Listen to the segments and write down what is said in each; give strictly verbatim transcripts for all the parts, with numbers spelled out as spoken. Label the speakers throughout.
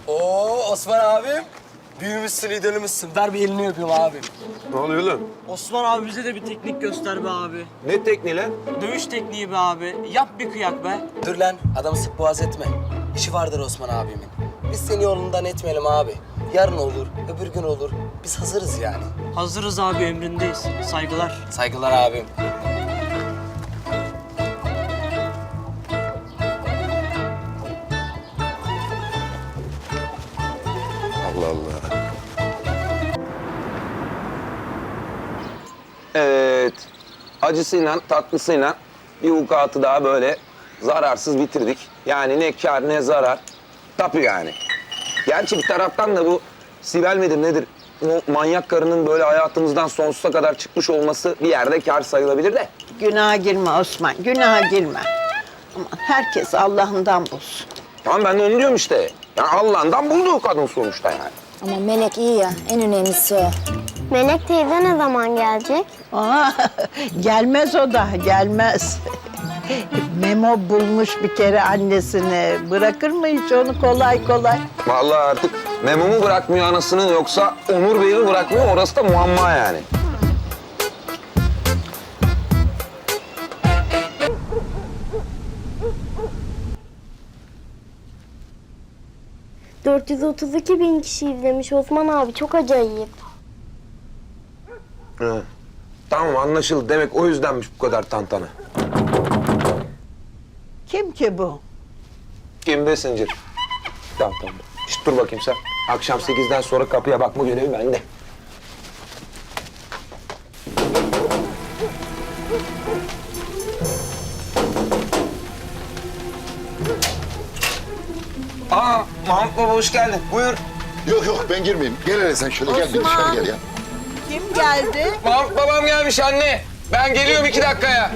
Speaker 1: Oo Osman abim. Büyümüşsün, idolümüzsün. Ver bir elini öpeyim abim.
Speaker 2: Ne oluyor lan?
Speaker 3: Osman abi bize de bir teknik göster be abi.
Speaker 2: Ne tekniği lan?
Speaker 3: Dövüş tekniği be abi. Yap bir kıyak be.
Speaker 1: Dur lan, adamı sık boğaz etme. İşi vardır Osman abimin. Biz seni yolundan etmeyelim abi. Yarın olur, öbür gün olur. Biz hazırız yani.
Speaker 3: Hazırız abi, emrindeyiz. Saygılar.
Speaker 1: Saygılar abim.
Speaker 2: Allah Allah. Evet. Acısıyla, tatlısıyla bir vukuatı daha böyle zararsız bitirdik. Yani ne kar ne zarar. Tapu yani. Gerçi bir taraftan da bu Sibel midir nedir? O manyak karının böyle hayatımızdan sonsuza kadar çıkmış olması bir yerde kar sayılabilir de.
Speaker 4: Günaha girme Osman, günaha girme. Aman herkes Allah'ından bulsun.
Speaker 2: Tamam ben de onu diyorum işte. Yani Allah'ından buldu o kadın sonuçta yani.
Speaker 5: Ama Melek iyi ya, en önemlisi o.
Speaker 6: Melek teyze ne zaman gelecek?
Speaker 4: Aa, gelmez o da, gelmez. Memo bulmuş bir kere annesini. Bırakır mı hiç onu kolay kolay?
Speaker 2: Vallahi artık Memo mu bırakmıyor anasını yoksa Onur Bey'i mi bırakmıyor orası da muamma yani.
Speaker 6: dört yüz otuz iki bin kişi izlemiş Osman abi, çok acayip.
Speaker 2: Hı. Tamam anlaşıldı. Demek o yüzdenmiş bu kadar tantana.
Speaker 4: Kim ki bu?
Speaker 2: Kim be Zincir? Tamam tamam. Şişt, dur bakayım sen. Akşam sekizden sonra kapıya bakma görevi bende. Aa, Mahmut Baba hoş geldin. Buyur.
Speaker 7: Yok yok ben girmeyeyim. Gel hele sen şöyle gel bir dışarı gel ya.
Speaker 4: Kim geldi?
Speaker 2: Mahmut Babam gelmiş anne. Ben geliyorum iki dakikaya.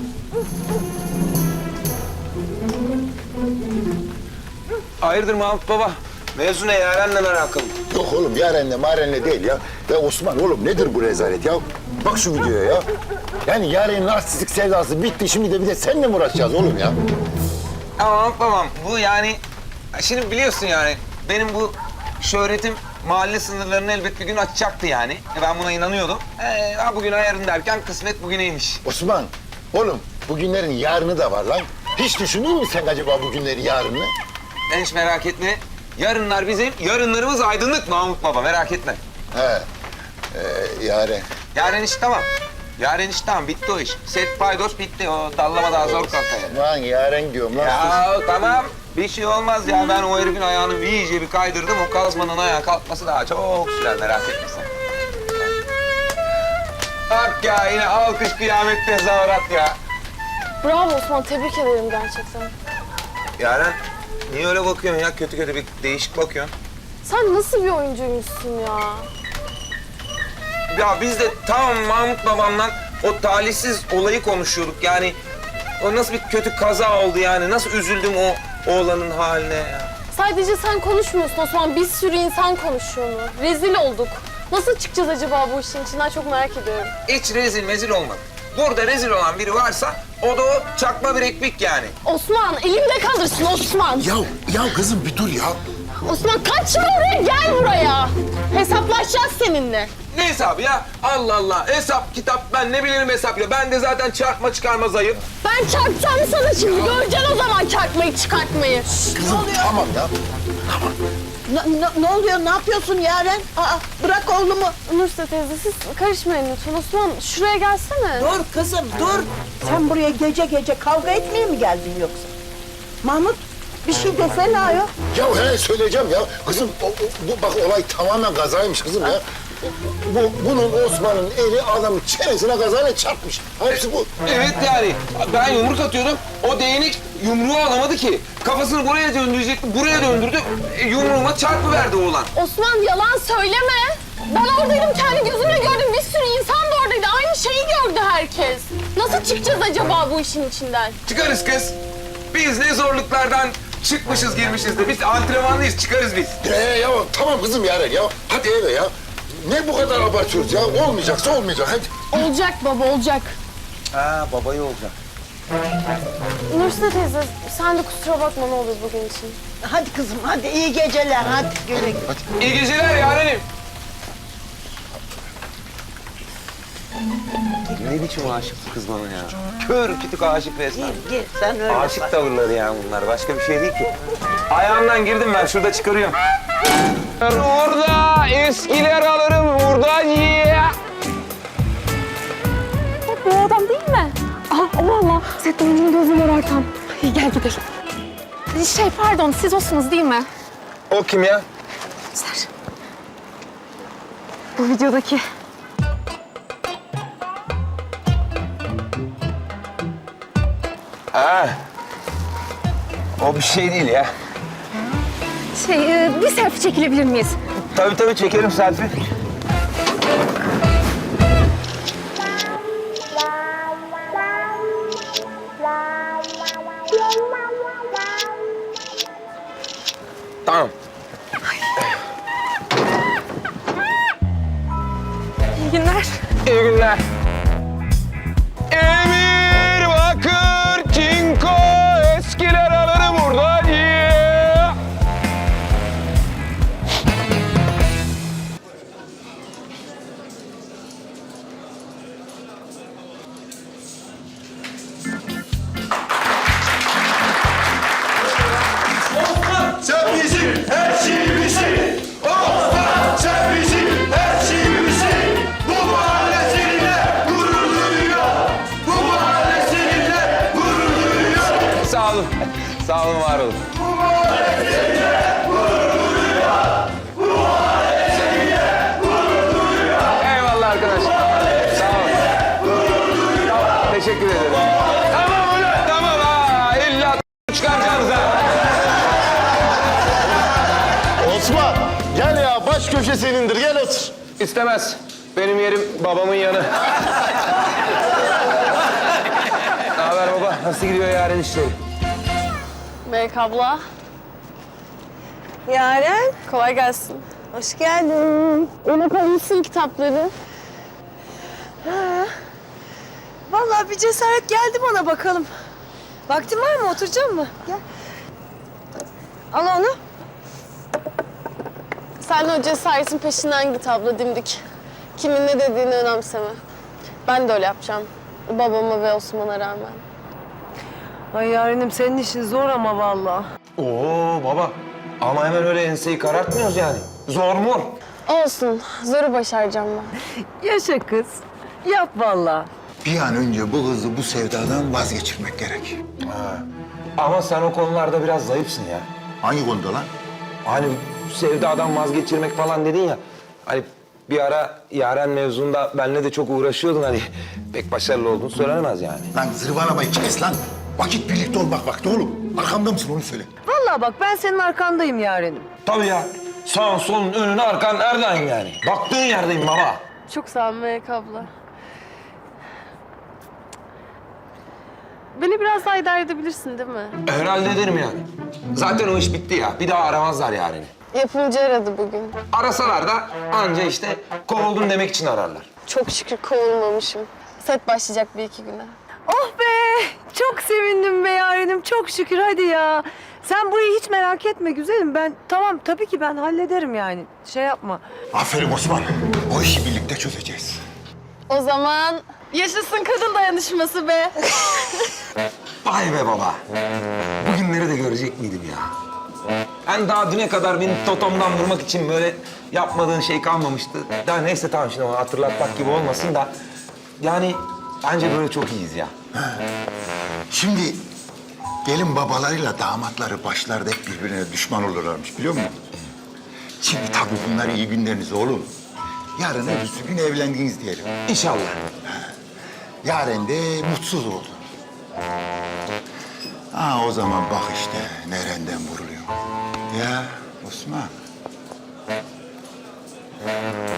Speaker 2: Hayırdır Mahmut Baba? Mevzu ne Yaren'le alakalı?
Speaker 7: Yok oğlum Yaren'le Maren'le değil ya. Ya Osman oğlum nedir bu rezalet ya? Bak şu videoya ya. Yani Yaren'in narsistik sevdası bitti. Şimdi de bir de seninle mi uğraşacağız oğlum ya?
Speaker 2: Ama Mahmut Babam bu yani... Şimdi biliyorsun yani benim bu şöhretim mahalle sınırlarını elbet bir gün açacaktı yani. E ben buna inanıyordum. Ee, ha bugüne yarın derken kısmet bugüneymiş.
Speaker 7: Osman oğlum bugünlerin yarını da var lan. Hiç düşünür müsün sen acaba bugünleri yarını?
Speaker 2: Sen hiç merak etme. Yarınlar bizim, yarınlarımız aydınlık Mahmut Baba merak etme.
Speaker 7: He. Ee, Yaren.
Speaker 2: Yarın iş tamam. Yarın iş tamam bitti o iş. Set paydos bitti o dallama daha zor kalkar yani.
Speaker 7: Lan Yaren diyorum lan.
Speaker 2: Ya tamam bir şey olmaz ya ben o herifin ayağını iyice bir kaydırdım. O kazmanın ayağa kalkması daha çok sürer merak etme sen. Bak ya yine alkış kıyamet tezahürat ya.
Speaker 6: Bravo Osman, tebrik ederim gerçekten.
Speaker 2: Yaren niye öyle bakıyorsun ya kötü kötü bir değişik bakıyorsun.
Speaker 6: Sen nasıl bir oyuncuymuşsun ya?
Speaker 2: Ya biz de tam Mahmut babamla o talihsiz olayı konuşuyorduk yani. O nasıl bir kötü kaza oldu yani. Nasıl üzüldüm o oğlanın haline ya.
Speaker 8: Sadece sen konuşmuyorsun Osman, bir sürü insan konuşuyor mu? Rezil olduk. Nasıl çıkacağız acaba bu işin içinden, çok merak ediyorum.
Speaker 2: Hiç rezil mezil olmadı. Burada rezil olan biri varsa o da o çakma bir ekmek yani.
Speaker 8: Osman, elimde kalırsın Osman.
Speaker 7: Ya, ya kızım bir dur ya.
Speaker 8: Osman kaçma oraya, gel buraya. Hesaplaşacağız seninle.
Speaker 2: Ne hesabı ya? Allah Allah. Hesap, kitap ben ne bilirim hesap ya. Ben de zaten çarpma çıkarma zayıf.
Speaker 8: Ben çarpacağım sana şimdi, göreceksin o zaman çarpmayı çıkartmayı.
Speaker 7: Kızım tamam ya.
Speaker 4: Ne, ne, ne oluyor, ne yapıyorsun Yaren? Aa, bırak oğlumu.
Speaker 8: Nurse teyze siz karışmayın lütfen. Osman şuraya gelsene.
Speaker 4: Dur kızım, dur. Sen buraya gece gece kavga etmeye mi geldin yoksa? Mahmut, bir şey desene ayol.
Speaker 7: Ya he söyleyeceğim ya. Kızım o, o- bu bak olay tamamen kazaymış kızım ya. Bu, bunun Osman'ın eli adamın çenesine kazayla çarpmış. Hepsi bu.
Speaker 2: Evet yani. Ben yumruk atıyordum. O değnek yumruğu alamadı ki. Kafasını buraya döndürecekti. Buraya döndürdü. E, yumruğuma çarpıverdi oğlan.
Speaker 8: Osman yalan söyleme. Ben oradaydım, kendi gözümle gördüm. Bir sürü insan da oradaydı. Aynı şeyi gördü herkes. Nasıl çıkacağız acaba bu işin içinden?
Speaker 2: Çıkarız kız. Biz ne zorluklardan çıkmışız girmişiz de. Biz antrenmanlıyız çıkarız biz.
Speaker 7: Ee ya tamam kızım Yaren ya. Hadi eve ya. Ne bu kadar abartıyoruz ya? Olmayacaksa olmayacak hadi.
Speaker 8: Olacak baba, olacak.
Speaker 2: Ha babayı olacak.
Speaker 8: Nursine teyze sen de kusura bakma ne olur bugün için.
Speaker 4: Hadi kızım hadi iyi geceler hadi güle güle.
Speaker 2: İyi geceler yarenim. Ne biçim aşık bu kız bana ya? Kör kütük aşık resmen.
Speaker 4: Gir gir sen öyle
Speaker 2: Aşık
Speaker 4: bak.
Speaker 2: tavırları ya bunlar. Başka bir şey değil ki. Ayağımdan girdim ben. Şurada çıkarıyorum. Orada eskiler alırım burada diye.
Speaker 8: Bu adam değil mi? Aha Allah Allah. Sette oyuncunun gözü morartan. İyi gel gidelim. Şey pardon siz olsunuz değil mi?
Speaker 2: O kim ya?
Speaker 8: Ser. Bu videodaki.
Speaker 2: Ha. O bir şey değil ya.
Speaker 8: Şey e, bir selfie çekilebilir miyiz?
Speaker 2: Tabii tabii çekelim selfie. Tamam.
Speaker 8: İyi günler.
Speaker 2: İyi günler. Emir Bakır Çinko eskiler alırım burada diye.
Speaker 9: Sen bizim her şeyimizsin. Osman sen bizim her şeyimizsin. Bu mahalle seninle gurur duyuyor. Bu mahalle seninle gurur duyuyor.
Speaker 2: Sağ olun. Sağ olun, var olun.
Speaker 9: Bu mahalle seninle gurur duyuyor. Bu mahalle seninle gurur duyuyor.
Speaker 2: Eyvallah arkadaşlar. Sağ olun. Tamam, teşekkür ederim. Tamam ulan. Tamam ha. İlla çıkaracağız ha.
Speaker 7: Osman gel ya baş köşe senindir gel otur.
Speaker 2: İstemez. Benim yerim babamın yanı. Ne haber baba? Nasıl gidiyor yarın işleri?
Speaker 8: Melek abla.
Speaker 10: Yaren,
Speaker 8: Kolay gelsin.
Speaker 10: hoş geldin.
Speaker 8: Unutmamışsın kitapları.
Speaker 10: Vallahi bir cesaret geldi bana bakalım. Vaktin var mı? Oturacak mı? Gel. Al onu.
Speaker 8: Sen de o cesaretin peşinden git abla dimdik. Kimin ne dediğini önemseme. Ben de öyle yapacağım. Babama ve Osman'a rağmen.
Speaker 10: Ay Yaren'im senin işin zor ama vallahi.
Speaker 2: Oo baba. Ama hemen öyle enseyi karartmıyoruz yani. Zor mu?
Speaker 8: Olsun. Zoru başaracağım ben.
Speaker 10: Yaşa kız. Yap vallahi.
Speaker 7: Bir an önce bu kızı bu sevdadan vazgeçirmek gerek.
Speaker 2: Ama sen o konularda biraz zayıfsın ya.
Speaker 7: Hangi konuda lan?
Speaker 2: Hani sevdadan vazgeçirmek falan dedin ya. Hani bir ara Yaren mevzunda benimle de çok uğraşıyordun hani. Pek başarılı olduğunu söylenemez yani.
Speaker 7: Lan zırvalamayı kes lan. Vakit birlikte olmak vakti oğlum. Arkamda mısın onu söyle.
Speaker 10: Vallahi bak ben senin arkandayım Yaren'im.
Speaker 2: Tabii ya. Sağın solun önün arkan nereden yani? Baktığın yerdeyim baba.
Speaker 8: Çok sağ ol Melek abla. Beni biraz daha idare edebilirsin değil mi?
Speaker 2: Herhalde ederim yani. Zaten o iş bitti ya. Bir daha aramazlar Yaren'i.
Speaker 8: Yapımcı aradı bugün.
Speaker 2: Arasalar da anca işte kovuldun demek için ararlar.
Speaker 8: Çok şükür kovulmamışım. Set başlayacak bir iki güne.
Speaker 10: Oh be! Çok sevindim be Yaren'im. Çok şükür hadi ya. Sen burayı hiç merak etme güzelim. Ben tamam tabii ki ben hallederim yani. Şey yapma.
Speaker 7: Aferin Osman. O işi birlikte çözeceğiz.
Speaker 8: O zaman yaşasın kadın dayanışması be.
Speaker 2: Vay be baba. Bugünleri de görecek miydim ya? Ben daha düne kadar beni totomdan vurmak için böyle yapmadığın şey kalmamıştı. Daha neyse tamam şimdi onu hatırlatmak gibi olmasın da... Yani bence böyle çok iyiyiz ya.
Speaker 7: Şimdi gelin babalarıyla damatları başlarda hep birbirine düşman olurlarmış biliyor musun? Şimdi tabii bunlar iyi günleriniz oğlum. Yarın öbürsü gün evlendiniz diyelim.
Speaker 2: İnşallah.
Speaker 7: Yaren de mutsuz oldu. Ha o zaman bak işte nereden vuruluyor. Ya Osman.